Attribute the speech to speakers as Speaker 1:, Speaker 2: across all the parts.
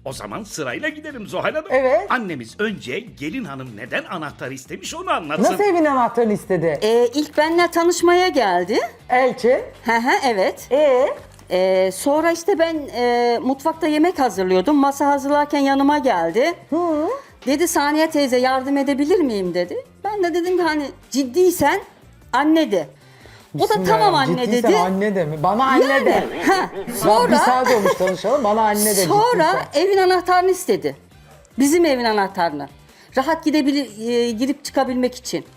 Speaker 1: O zaman sırayla gidelim Zuhal Hanım.
Speaker 2: Evet.
Speaker 1: Annemiz önce gelin hanım neden anahtar istemiş onu anlatsın.
Speaker 2: Nasıl evin anahtarını istedi?
Speaker 3: İlk benimle tanışmaya geldi.
Speaker 2: Elçi.
Speaker 3: Evet.
Speaker 2: Sonra
Speaker 3: Sonra ben mutfakta yemek hazırlıyordum. Masa hazırlarken yanıma geldi. Dedi Saniye teyze yardım edebilir miyim dedi. Ben de dedim ki hani ciddiysen anne de. O da tamam anne
Speaker 2: ciddiysen
Speaker 3: dedi.
Speaker 2: anne de mi? Bana anne de. Bir
Speaker 3: Sonra
Speaker 2: saat olmuş tanışalım. Bana anne de
Speaker 3: sonra
Speaker 2: ciddiysen.
Speaker 3: evin anahtarını istedi. Bizim evin anahtarını. Rahat girip çıkabilmek için.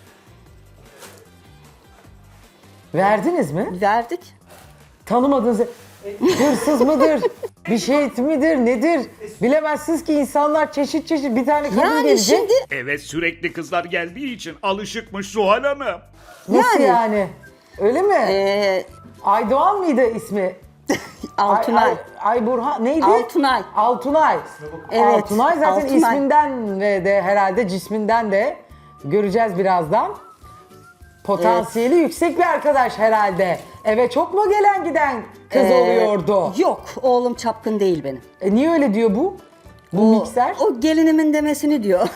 Speaker 2: Verdiniz mi?
Speaker 3: Verdik.
Speaker 2: Tanımadığınız hırsız mıdır? Bir şey midir? Nedir? Bilemezsiniz ki insanlar çeşit çeşit bir tane kadın
Speaker 3: Yani
Speaker 2: gelecek.
Speaker 3: şimdi
Speaker 1: Evet sürekli kızlar geldiği için alışıkmış Zuhal Hanım.
Speaker 2: Nasıl
Speaker 3: yani-
Speaker 2: yani? Öyle mi? Aydoğan mıydı ismi?
Speaker 3: Altunay.
Speaker 2: Ayburhan neydi?
Speaker 3: Altunay.
Speaker 2: Altunay.
Speaker 3: Evet,
Speaker 2: Altunay zaten
Speaker 3: Altunay.
Speaker 2: isminden ve de herhalde cisminden de göreceğiz birazdan. Potansiyeli yüksek bir arkadaş herhalde. Eve çok mu gelen giden kız oluyordu?
Speaker 3: Yok, oğlum çapkın değil benim.
Speaker 2: Niye öyle diyor bu? Bu mikser?
Speaker 3: O gelinimin demesini diyor.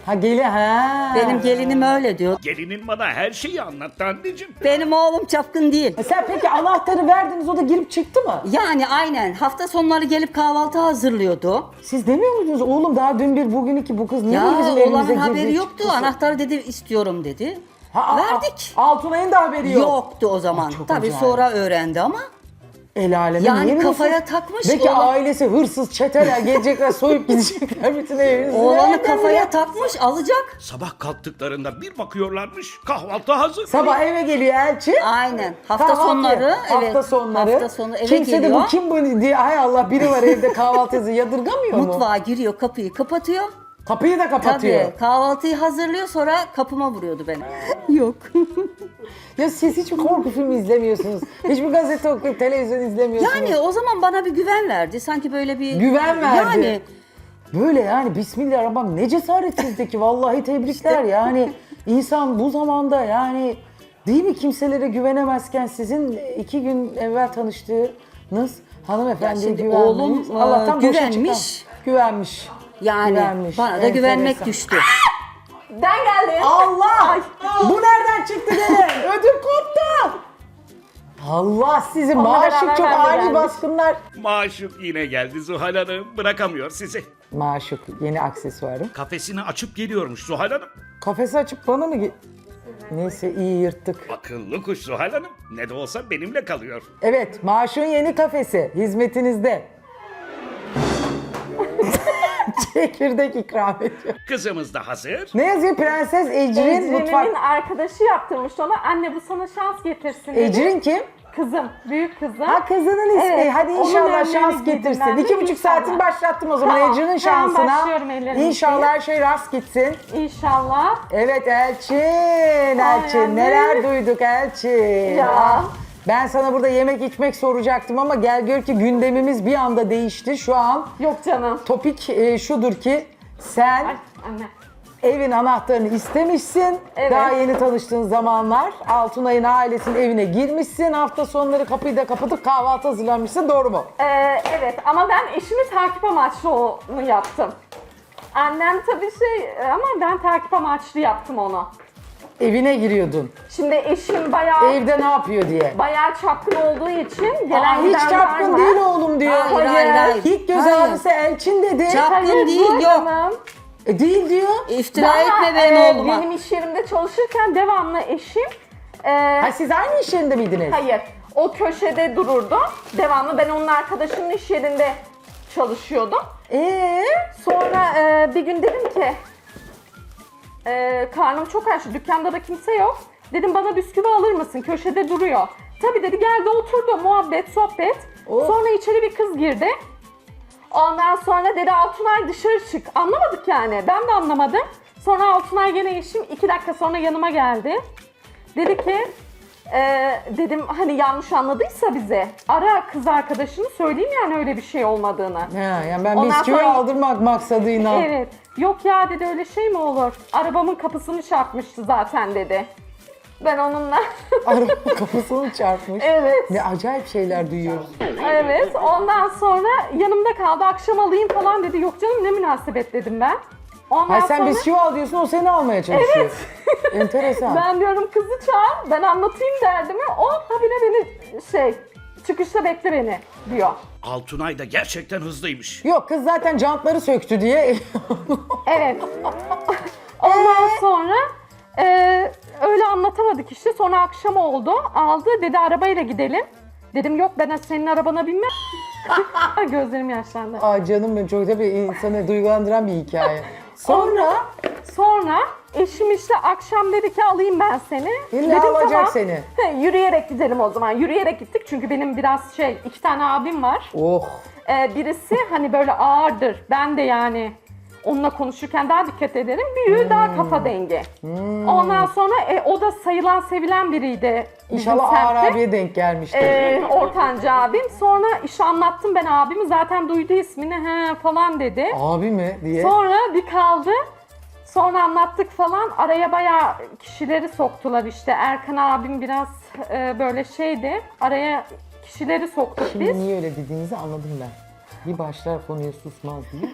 Speaker 2: Ha.
Speaker 3: Benim gelinim öyle diyor.
Speaker 1: Gelinin bana her şeyi anlattı anneciğim.
Speaker 3: Benim oğlum çapkın değil.
Speaker 2: Sen peki anahtarı verdiniz o da girip çıktı mı?
Speaker 3: Yani aynen hafta sonları gelip kahvaltı hazırlıyordu.
Speaker 2: Siz demiyor muydunuz oğlum daha dün bir bugün iki bu kız niye
Speaker 3: Ya
Speaker 2: bizim evimize
Speaker 3: oğlanın
Speaker 2: girdi?
Speaker 3: haberi yoktu.
Speaker 2: çıktı?
Speaker 3: Anahtarı dedi istiyorum dedi. Verdik.
Speaker 2: Altunay'ın da haberi yok.
Speaker 3: Yoktu o zaman.
Speaker 2: çok
Speaker 3: Tabii
Speaker 2: acayip.
Speaker 3: sonra öğrendi ama.
Speaker 2: El aleme
Speaker 3: Yani
Speaker 2: niye
Speaker 3: kafaya
Speaker 2: biliyorsun?
Speaker 3: takmış
Speaker 2: Belki
Speaker 3: oğlan.
Speaker 2: ailesi hırsız çeteler gelecekler soyup gidecekler bütün evinizi.
Speaker 3: Oğlanı
Speaker 2: Nereden
Speaker 3: kafaya
Speaker 2: biliyor?
Speaker 3: takmış alacak.
Speaker 1: Sabah kalktıklarında bir bakıyorlarmış kahvaltı hazır.
Speaker 2: Sabah eve geliyor elçi.
Speaker 3: Aynen. Hafta
Speaker 2: Kahvaltı.
Speaker 3: sonları evet.
Speaker 2: Hafta sonları.
Speaker 3: Hafta sonu eve
Speaker 2: Kimse de
Speaker 3: geliyor.
Speaker 2: bu kim bu diye hay Allah biri var evde kahvaltı yadırgamıyor mu?
Speaker 3: Mutfağa giriyor, kapıyı kapatıyor.
Speaker 2: Kapıyı da kapatıyor.
Speaker 3: Tabii kahvaltıyı hazırlıyor sonra kapıma vuruyordu beni. Yok.
Speaker 2: Ya siz hiç mi korku filmi izlemiyorsunuz? Hiç mi gazete okuyup televizyon izlemiyorsunuz?
Speaker 3: Yani o zaman bana bir güven verdi. Sanki böyle bir...
Speaker 2: Güven verdi.
Speaker 3: Yani
Speaker 2: Böyle yani Bismillahirrahmanirrahim ne cesaretsizlik vallahi tebrikler yani insan bu zamanda yani değil mi kimselere güvenemezken sizin 2 gün evvel tanıştığınız hanımefendiye
Speaker 3: Ya şimdi
Speaker 2: güvenmeniz
Speaker 3: oğlum,
Speaker 2: Allah'tan boşa
Speaker 3: güvenmiş.
Speaker 2: çıkan. Güvenmiş.
Speaker 3: yani
Speaker 2: Güvenmiş.
Speaker 3: bana da
Speaker 2: Enteresan.
Speaker 3: güvenmek düştü.
Speaker 4: Ben geldim.
Speaker 2: Allah! Bu nereden çıktı gene? Ödüm koptu. Allah sizi
Speaker 4: Onunla
Speaker 2: maşuk
Speaker 4: beraber
Speaker 2: çok
Speaker 4: ben de
Speaker 2: ani
Speaker 4: geldim.
Speaker 2: baskınlar.
Speaker 1: Maşuk yine geldi Zuhal Hanım. Bırakamıyor sizi.
Speaker 2: Maşuk yeni aksesuarım.
Speaker 1: Kafesini açıp geliyormuş Zuhal Hanım.
Speaker 2: Kafesi açıp bana mı Neyse iyi yırttık.
Speaker 1: Akıllı kuş Zuhal Hanım. Ne de olsa benimle kalıyor.
Speaker 2: Evet, Maşuk'un yeni kafesi hizmetinizde. Çekirdek ikram ediyor.
Speaker 1: Kızımız da hazır.
Speaker 2: Ne yazıyor? Prenses Ecrin mutfak.
Speaker 4: Ecrin'imin arkadaşı yaptırmış ona. Anne bu sana şans getirsin dedi.
Speaker 2: Ecrin kim?
Speaker 4: Kızım, büyük kızım.
Speaker 2: Ha kızının ismi.
Speaker 4: Evet,
Speaker 2: Hadi
Speaker 4: onun
Speaker 2: inşallah
Speaker 4: önlerini
Speaker 2: şans
Speaker 4: giydim
Speaker 2: getirsin.
Speaker 4: ben de,
Speaker 2: 2,5
Speaker 4: inşallah.
Speaker 2: saatini başlattım o zaman
Speaker 4: Tamam,
Speaker 2: Ecrin'in
Speaker 4: hemen
Speaker 2: şansına.
Speaker 4: başlıyorum, ellerimi
Speaker 2: İnşallah
Speaker 4: yıkayayım.
Speaker 2: her şey rast gitsin.
Speaker 4: İnşallah.
Speaker 2: Evet Elçin,
Speaker 4: Aynen.
Speaker 2: neler duyduk Elçin.
Speaker 4: Ya.
Speaker 2: Ah, ben sana burada yemek içmek soracaktım ama gel gör ki gündemimiz bir anda değişti. Şu an
Speaker 4: Yok canım.
Speaker 2: topik şudur ki sen
Speaker 4: Ay anne.
Speaker 2: evin anahtarını istemişsin.
Speaker 4: Evet.
Speaker 2: Daha yeni tanıştığın zamanlar Altunay'ın ailesinin evine girmişsin. Hafta sonları kapıyı da kapatıp kahvaltı hazırlanmışsın. Doğru mu?
Speaker 4: Evet ama ben eşimi takip amaçlı onu yaptım. Annem tabii ama ben takip amaçlı yaptım onu.
Speaker 2: Evine giriyordun.
Speaker 4: Şimdi eşim bayağı
Speaker 2: Evde ne yapıyor diye.
Speaker 4: çapkın olduğu için gelen
Speaker 2: Aa, hiç
Speaker 4: gidenler
Speaker 2: çapkın
Speaker 4: var.
Speaker 2: değil oğlum diyor.
Speaker 3: Hayır.
Speaker 2: İlk göz
Speaker 3: Hayır.
Speaker 2: ağrısı Elçin dedi.
Speaker 3: Çapkın
Speaker 4: Hayır,
Speaker 3: değil
Speaker 4: Zuhal
Speaker 3: yok.
Speaker 4: Hanım.
Speaker 2: Değil diyor.
Speaker 3: İftira
Speaker 4: Daha,
Speaker 3: etme benim oğluma.
Speaker 4: Benim iş yerimde çalışırken devamlı eşim
Speaker 2: Ha siz aynı iş yerinde miydiniz?
Speaker 4: hayır o köşede dururdu. Devamlı ben onun arkadaşının iş yerinde çalışıyordum. Sonra bir gün dedim ki karnım çok aç, dükkanda da kimse yok. Dedim bana bisküvi alır mısın? Köşede duruyor. Tabii dedi geldi oturdu muhabbet sohbet.
Speaker 2: Oh.
Speaker 4: Sonra içeri bir kız girdi. Ondan sonra dedi Altunay dışarı çık. Anlamadık yani. Ben de anlamadım. Sonra Altunay gene eşim 2 dakika sonra yanıma geldi. Dedi ki dedim hani yanlış anladıysa bize ara kız arkadaşını söyleyeyim yani öyle bir şey olmadığını.
Speaker 2: Ha, yani ben
Speaker 4: Ondan
Speaker 2: bisküvi
Speaker 4: sonra-
Speaker 2: aldırmak maksadıyla.
Speaker 4: Evet. Yok ya dedi öyle şey mi olur? Arabamın kapısını çarpmıştı zaten dedi. Ben onunla
Speaker 2: Araba kafasını çarpmış.
Speaker 4: evet.
Speaker 2: Ne acayip şeyler duyuyoruz.
Speaker 4: Evet. Ondan sonra yanımda kaldı. Akşam alayım falan dedi. Yok canım ne münasebet dedim ben. Ondan
Speaker 2: Ha sen
Speaker 4: sonra
Speaker 2: bisküvi al diyorsun, o seni almaya çalışıyor. Enteresan.
Speaker 4: ben diyorum kızı çağır. Ben anlatayım derdimi. O habire beni çıkışta bekle beni diyor.
Speaker 1: Altunay da gerçekten hızlıymış.
Speaker 2: Yok kız zaten jantları söktü diye.
Speaker 4: Evet. Ondan sonra öyle anlatamadık işte. Sonra akşam oldu. Aldı dedi arabayla gidelim. Dedim yok ben senin arabana binmem. Gözlerim yaşlandı.
Speaker 2: Aa canım benim, çok tabii insanı duygulandıran bir hikaye. Sonra
Speaker 4: Eşim işte akşam dedi ki alayım ben seni.
Speaker 2: illa
Speaker 4: Dedim,
Speaker 2: alacak
Speaker 4: tamam.
Speaker 2: seni.
Speaker 4: Yürüyerek gidelim o zaman. Yürüyerek gittik çünkü benim biraz 2 tane abim var.
Speaker 2: Oh.
Speaker 4: Birisi hani böyle ağırdır. Ben de yani onunla konuşurken daha dikkat ederim. Büyüğü daha kafa dengi. Ondan sonra o da sayılan sevilen biriydi. bizim
Speaker 2: İnşallah Ağar
Speaker 4: semtte.
Speaker 2: abiye denk gelmiştir.
Speaker 4: Ortanca abim. Sonra iş anlattım ben abimi. Zaten duydu ismini he falan dedi.
Speaker 2: Abi mi diye.
Speaker 4: Sonra bir kaldı. Sonra anlattık falan. Araya bayağı kişileri soktular işte. Erkan abim biraz böyle şeydi. Araya kişileri soktuk
Speaker 2: Şimdi
Speaker 4: biz.
Speaker 2: niye öyle dediğinizi anladım ben. Bir başlar konuya susmaz diye.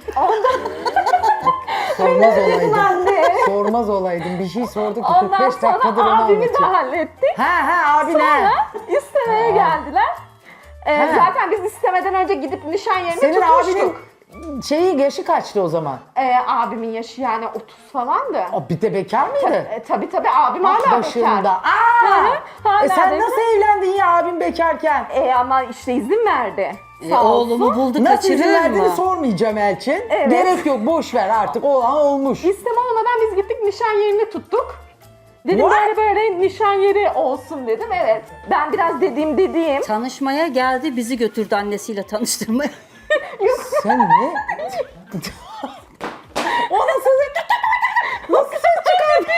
Speaker 2: Sormaz olaydım.
Speaker 4: Anne.
Speaker 2: Sormaz olaydım. Bir şey sorduk.
Speaker 4: Ondan
Speaker 2: 45 dakikadır onu
Speaker 4: sonra abimi de
Speaker 2: anlatıyor.
Speaker 4: hallettik.
Speaker 2: Abi ne?
Speaker 4: Sonra istemeye geldiler. Zaten biz istemeden önce gidip nişan yerini
Speaker 2: Senin
Speaker 4: tutmuştuk.
Speaker 2: abinin yaşı kaçtı o zaman?
Speaker 4: Abimin yaşı yani 30 falandı.
Speaker 2: O bir de bekar mıydı?
Speaker 4: Tabii abim hala
Speaker 2: Başında.
Speaker 4: bekar.
Speaker 2: Aa!
Speaker 4: Hala
Speaker 2: Sen
Speaker 4: bekar.
Speaker 2: nasıl evlendin ya abin bekarken?
Speaker 4: Ama işte izin verdi. Sağ
Speaker 3: Oğlumu
Speaker 4: olsun.
Speaker 3: buldu
Speaker 2: Nasıl izin
Speaker 3: kaçırır
Speaker 2: verdiğini
Speaker 3: mı?
Speaker 2: sormayacağım Elçin.
Speaker 4: Evet.
Speaker 2: Gerek yok, boş ver artık, olan olmuş.
Speaker 4: İsteme olmadan biz gittik nişan yerini tuttuk. Dedim
Speaker 2: What?
Speaker 4: böyle nişan yeri olsun dedim. Evet. Ben biraz dediğim.
Speaker 3: Tanışmaya geldi, bizi götürdü annesiyle tanıştırmaya.
Speaker 2: Sen ne? O nasıl ses çıkardın?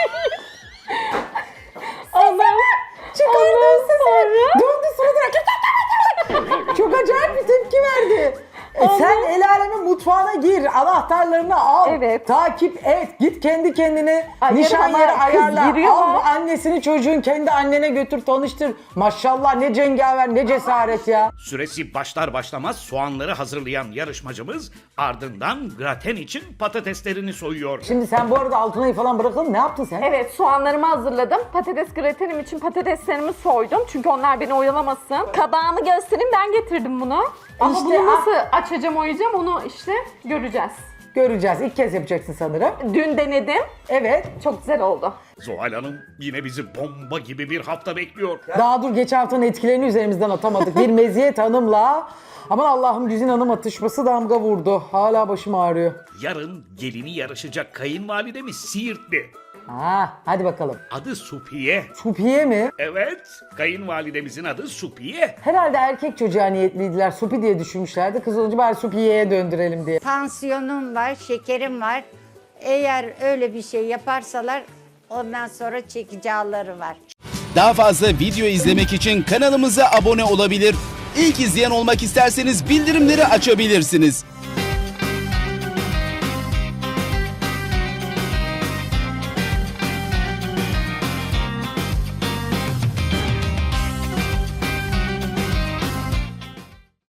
Speaker 2: Çıkardın sesi. Döndü suratına. Çok acayip bir tepki verdi. Sen el alemin mutfağına gir, anahtarlarını al,
Speaker 4: Evet.
Speaker 2: takip et, git kendi kendine
Speaker 4: Hayır
Speaker 2: nişan
Speaker 4: ama
Speaker 2: yeri
Speaker 4: kız
Speaker 2: ayarla,
Speaker 4: giriyor
Speaker 2: al
Speaker 4: mu?
Speaker 2: annesini çocuğun kendi annene götür tanıştır. Maşallah ne cengaver, ne cesaret ya.
Speaker 1: Süresi başlar başlamaz soğanları hazırlayan yarışmacımız ardından graten için patateslerini soyuyor.
Speaker 2: Şimdi sen bu arada Altunay'ı falan bırakalım, ne yaptın sen?
Speaker 4: Evet soğanlarımı hazırladım. Patates gratenim için patateslerimi soydum. Çünkü onlar beni oyalamasın. Kabağımı göstereyim ben getirdim bunu. Ama
Speaker 2: İşte,
Speaker 4: bunu nasıl açacağım oyacağım onu işte göreceğiz.
Speaker 2: Göreceğiz, ilk kez yapacaksın sanırım.
Speaker 4: Dün denedim.
Speaker 2: Evet.
Speaker 4: Çok güzel oldu.
Speaker 1: Zuhal Hanım yine bizi bomba gibi bir hafta bekliyor.
Speaker 2: Daha dur, geçen haftanın etkilerini üzerimizden atamadık. Bir Meziyet Hanım'la aman Allah'ım Güzin Hanım atışması damga vurdu. Hala başım ağrıyor.
Speaker 1: Yarın gelini yarışacak kayınvalidemiz Siirtli.
Speaker 2: Hadi bakalım.
Speaker 1: Adı Supiye.
Speaker 2: Supiye mi?
Speaker 1: Evet, kayınvalidemizin adı Supiye.
Speaker 2: Herhalde erkek çocuğa niyetliydiler. Supi diye düşünmüşlerdi. Kız olunca bari Supiye'ye döndürelim diye.
Speaker 5: Tansiyonum var, şekerim var. Eğer öyle bir şey yaparsalar ondan sonra çekici ağrıları var.
Speaker 6: Daha fazla video izlemek için kanalımıza abone olabilir. İlk izleyen olmak isterseniz bildirimleri açabilirsiniz.